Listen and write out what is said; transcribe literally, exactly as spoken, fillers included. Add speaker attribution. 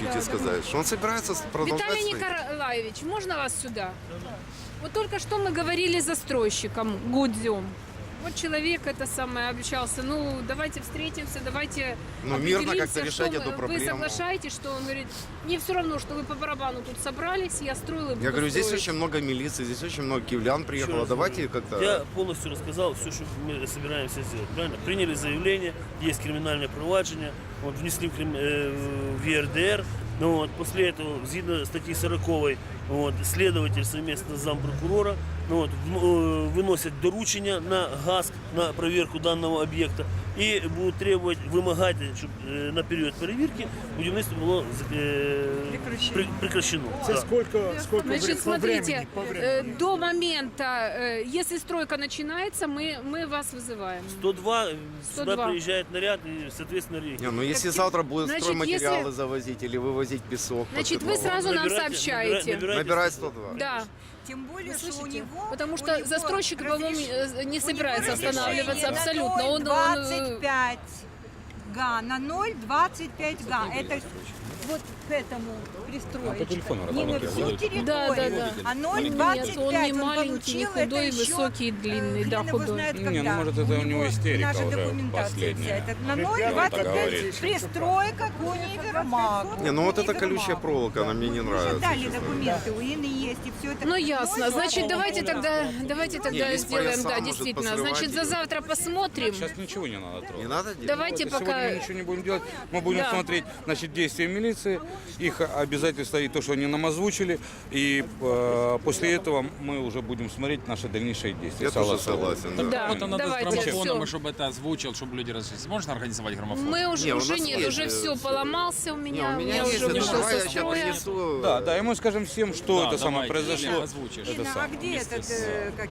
Speaker 1: исключить
Speaker 2: да,
Speaker 1: и сказать, что он собирается продолжать
Speaker 2: Виталий
Speaker 1: строительство.
Speaker 2: Николаевич, можно вас сюда? Вот только что мы говорили с застройщиком Гудзем. Вот человек это самое общался. Ну, давайте встретимся, давайте
Speaker 1: Ну, мирно
Speaker 2: определимся,
Speaker 1: как-то решать
Speaker 2: что
Speaker 1: эту
Speaker 2: вы-
Speaker 1: проблему.
Speaker 2: Вы соглашаетесь, что он говорит, мне все равно, что вы по барабану тут собрались, я строил и буду
Speaker 1: Я говорю, здесь
Speaker 2: строить.
Speaker 1: очень много милиции, здесь очень много киевлян приехало.
Speaker 3: раз
Speaker 1: Давайте
Speaker 3: говорю,
Speaker 1: как-то...
Speaker 3: Я полностью рассказал все, что мы собираемся сделать. Правильно? Приняли заявление, есть криминальное провадження, вот, внесли в, крим- э, в Е Р Д Р. Ну, вот, после этого, згідно статьи сорок, вот, следователь совместно с зампрокурора ну, вот, в- э, выносят доручення на ГАСК, на проверку данного объекта и будут требовать, вымогать, чтобы э, на период перевірки будівництво було э, при- прекращено.
Speaker 4: Це
Speaker 3: Да.
Speaker 4: сколько, сколько
Speaker 2: Значит,
Speaker 4: вре- по
Speaker 2: смотрите,
Speaker 4: времени? По времени?
Speaker 2: э, до момента, э, если стройка начинается, мы, мы вас вызываем.
Speaker 3: сто два, э,
Speaker 2: сто
Speaker 3: сюда
Speaker 2: два.
Speaker 3: приезжает наряд и, соответственно,
Speaker 1: Не,
Speaker 3: реагирует.
Speaker 1: ну если завтра будут
Speaker 2: Значит,
Speaker 1: стройматериалы
Speaker 2: если-
Speaker 1: завозить или вывозить песок.
Speaker 2: Значит,
Speaker 1: под
Speaker 2: вы
Speaker 1: Петровым.
Speaker 2: сразу нам
Speaker 3: Набирайте-
Speaker 2: сообщаете.
Speaker 3: набира- набирайте
Speaker 1: Набирай сто два.
Speaker 2: Да.
Speaker 5: Тем более,
Speaker 2: Вы
Speaker 5: что у
Speaker 2: слышите?
Speaker 5: него...
Speaker 2: Потому
Speaker 5: у
Speaker 2: что
Speaker 5: него
Speaker 2: застройщик, по-моему,
Speaker 5: разреш-
Speaker 2: э, не
Speaker 5: у
Speaker 2: собирается
Speaker 5: него
Speaker 2: останавливаться
Speaker 5: разрешение на
Speaker 2: абсолютно. Он, он,
Speaker 5: двадцать
Speaker 2: э,
Speaker 5: пять га, на ноль двадцать пять га. Это вот к этому пристроить. Не на всю территорию,
Speaker 2: Да, да, да.
Speaker 5: а ноль
Speaker 2: Нет,
Speaker 5: двадцать
Speaker 2: он
Speaker 5: пять
Speaker 2: не маленький, не
Speaker 5: получил, это
Speaker 2: худой,
Speaker 5: еще,
Speaker 2: высокий, длинный,
Speaker 5: э,
Speaker 2: да,
Speaker 5: хрен его
Speaker 2: худой.
Speaker 5: знает
Speaker 6: Не,
Speaker 5: когда.
Speaker 6: ну, может, это у него истерика
Speaker 5: наша
Speaker 6: уже
Speaker 5: документация
Speaker 6: последняя.
Speaker 5: вся. Это на
Speaker 4: Ребята,
Speaker 5: ноль
Speaker 6: он
Speaker 5: двадцать
Speaker 6: так
Speaker 5: пять
Speaker 6: говорит.
Speaker 5: пристройка к универмагу.
Speaker 1: Не, ну вот эта
Speaker 5: Универмагу.
Speaker 1: колючая проволока, она мне не
Speaker 5: Мы
Speaker 1: нравится.
Speaker 5: же дали
Speaker 1: честно.
Speaker 5: документы, у Инны есть, и все это.
Speaker 2: Ну ясно.
Speaker 5: Ноль
Speaker 2: Значит,
Speaker 5: двадцать
Speaker 2: давайте тогда, давайте тогда
Speaker 1: без
Speaker 2: сделаем,
Speaker 1: пояса
Speaker 2: да,
Speaker 1: может
Speaker 2: действительно.
Speaker 1: посрывать
Speaker 2: Значит, за
Speaker 1: ее.
Speaker 2: завтра посмотрим.
Speaker 6: Сейчас ничего не надо трогать.
Speaker 1: Не надо делать?
Speaker 2: Давайте
Speaker 6: Сегодня
Speaker 2: пока.
Speaker 6: мы ничего не будем делать. Мы будем
Speaker 2: Да.
Speaker 6: смотреть, значит, действия милиции, их обязательства и то, что они нам озвучили. И э, после этого мы уже будем смотреть наши дальнейшие действия.
Speaker 1: Я тоже
Speaker 6: Согласовывать.
Speaker 1: согласен, да.
Speaker 2: Да,
Speaker 7: Это надо
Speaker 2: давайте,
Speaker 7: с граммофоном,
Speaker 2: всё.
Speaker 7: и чтобы это озвучил, чтобы люди разрешили. Можно организовать граммофон?
Speaker 2: Мы уже,
Speaker 1: Не, у
Speaker 2: уже
Speaker 1: нас
Speaker 2: нет,
Speaker 1: есть,
Speaker 2: уже
Speaker 1: э,
Speaker 2: все
Speaker 1: всё.
Speaker 2: поломался у
Speaker 1: Не,
Speaker 2: меня,
Speaker 1: у меня есть,
Speaker 2: уже
Speaker 1: это
Speaker 2: вышел
Speaker 1: давай я
Speaker 2: со
Speaker 1: сейчас
Speaker 2: строя.
Speaker 1: принесу.
Speaker 6: Да, да, и мы скажем всем, что
Speaker 7: Да,
Speaker 6: это самое
Speaker 7: давайте,
Speaker 6: произошло.
Speaker 7: озвучишь.
Speaker 6: Это
Speaker 5: Инна, а
Speaker 6: самое.
Speaker 5: где
Speaker 7: вместе
Speaker 5: этот,
Speaker 7: с,
Speaker 5: э, как